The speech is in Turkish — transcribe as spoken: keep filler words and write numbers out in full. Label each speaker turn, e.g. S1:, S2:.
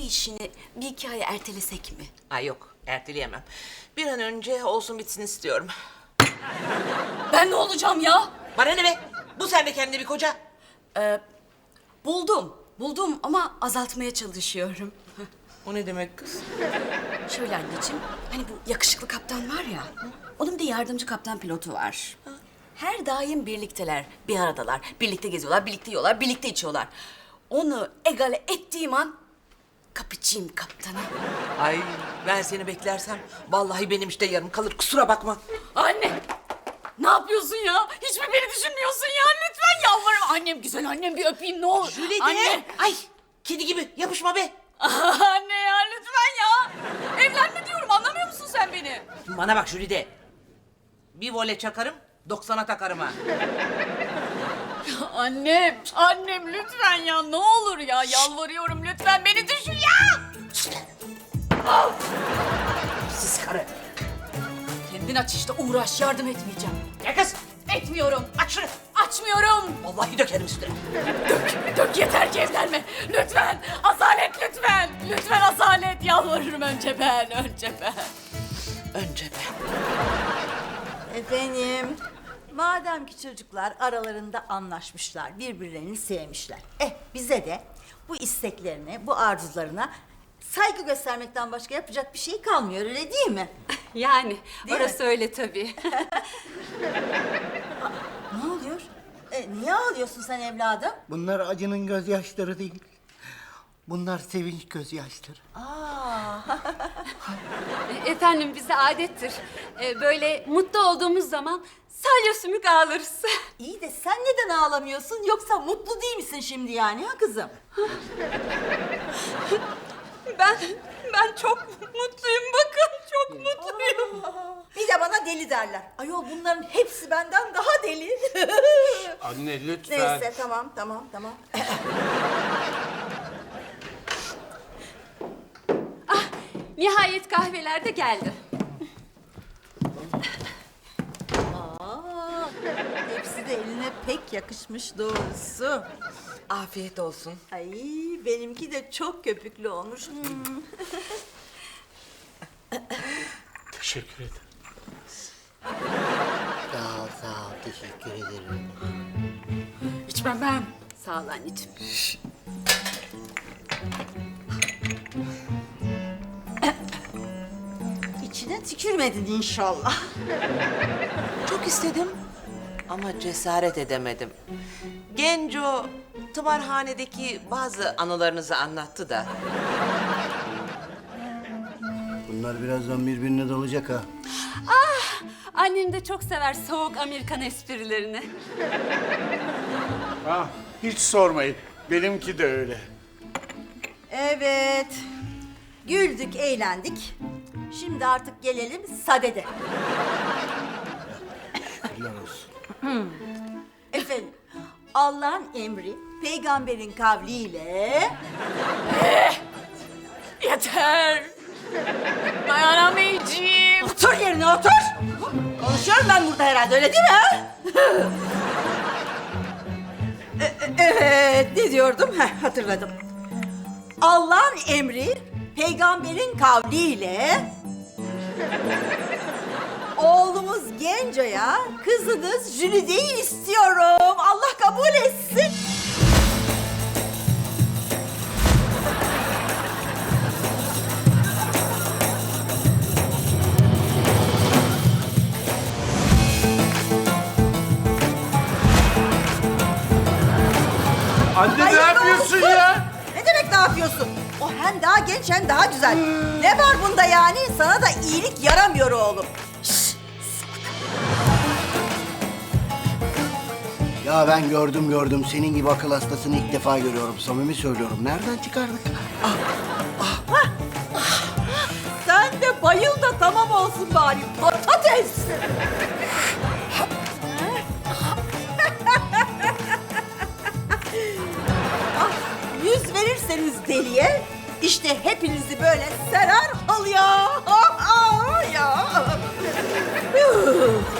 S1: işini bir iki ay ertelesek mi?
S2: Ay yok, erteleyemem. Bir an önce olsun bitsin istiyorum.
S1: Ben ne olacağım ya?
S2: Bana ne be? Bu sen de kendine bir koca.
S1: Buldum. Buldum ama azaltmaya çalışıyorum.
S2: O ne demek kız?
S1: Şöyle anneciğim, hani bu yakışıklı kaptan var ya, onun bir de yardımcı kaptan pilotu var. Her daim birlikteler, bir aradalar. Birlikte geziyorlar, birlikte yiyorlar, birlikte içiyorlar. Onu egale ettiğim an kapıcıyım kaptanı.
S2: Ay ben seni beklersem vallahi benim işte yarım kalır, kusura bakma.
S1: Anne! Ne yapıyorsun ya? Hiç mi beni düşünmüyorsun ya? Lütfen yalvarırım. Annem güzel, annem bir öpeyim ne olur.
S2: Jülide!
S1: Anne!
S2: Ay kedi gibi yapışma be.
S1: Anne ya lütfen ya. Evlenme diyorum, anlamıyor musun sen beni?
S2: Bana bak Jülide. Bir vole çakarım, doksana takarım ha.
S1: Annem, annem lütfen ya. Ne olur ya, yalvarıyorum lütfen beni düşün ya.
S2: Siz karı.
S1: Kendin aç işte, uğraş, yardım etmeyeceğim.
S2: Ya kız,
S1: Etmiyorum.
S2: aç şunu.
S1: Açmıyorum.
S2: Vallahi dökerim üstüne.
S1: Dök, dök yeter ki evlenme. Lütfen, Asalet lütfen. Lütfen Asalet, yalvarırım önce ben, önce ben.
S2: Önce ben.
S3: Efendim, madem ki çocuklar aralarında anlaşmışlar, birbirlerini sevmişler. Eh bize de bu isteklerine, bu arzularına saygı göstermekten başka yapacak bir şey kalmıyor, öyle değil mi?
S4: Yani
S3: Değil
S4: orası
S3: mi?
S4: öyle tabii.
S3: Ne oluyor? E, niye ağlıyorsun sen evladım?
S5: Bunlar acının gözyaşları değil. Bunlar sevinç gözyaşları.
S3: Aa,
S4: E, Efendim bize adettir. E, Böyle mutlu olduğumuz zaman salya sümük ağlarız.
S3: iyi de sen neden ağlamıyorsun? Yoksa mutlu değil misin şimdi yani ha kızım?
S4: Ben ben çok mutluyum, bakın çok mutluyum.
S3: Bir de bana deli derler. Ayol bunların hepsi benden daha deli.
S6: Anne lütfen.
S3: Neyse tamam tamam tamam.
S4: Nihayet kahveler de geldi.
S3: Aa, hepsi de eline pek yakışmış doğrusu.
S2: Afiyet olsun.
S3: Ay benimki de çok köpüklü olmuş. Hmm.
S6: Teşekkür ederim.
S5: Sağ ol, sağ ol. Teşekkür ederim.
S1: İçmem ben. Sağ ol anneciğim.
S3: İçine tükürmedin inşallah.
S2: Çok istedim ama cesaret edemedim. Genco tımarhanedeki bazı anılarınızı anlattı da.
S5: Bunlar birazdan birbirine dalacak ha.
S4: Annem de çok sever soğuk Amerikan esprilerini.
S6: Ah, hiç sormayın. Benimki de öyle.
S3: Evet. Güldük, eğlendik. Şimdi artık gelelim sadede.
S5: Helal olsun.
S3: Efendim, Allah'ın emri, peygamberin kavliyle...
S1: Yeter. Dayanamayacağım.
S3: Otur yerine otur! Konuşuyorum ben burada herhalde, öyle değil mi? ha? E- e- evet, ne diyordum? Heh, hatırladım. Allah'ın emri, peygamberin kavliyle... Oğlumuz Genco'ya kızınız Jülide'yi istiyorum. Allah kabul etsin.
S6: Anne ne
S3: Hayırlı
S6: yapıyorsun
S3: olsun.
S6: ya?
S3: Ne demek ne yapıyorsun? O hem daha genç hem daha güzel. Ne var bunda yani? Sana da iyilik yaramıyor oğlum. Şşş!
S5: Ya ben gördüm gördüm. Senin gibi akıl hastasını ilk defa görüyorum. Samimi söylüyorum. Nereden çıkardık?
S3: Sen de bayıl da tamam olsun bari. Patates! Ah, yüz verirseniz deliye, işte hepinizi böyle serer halıya. Ah, ah, ya.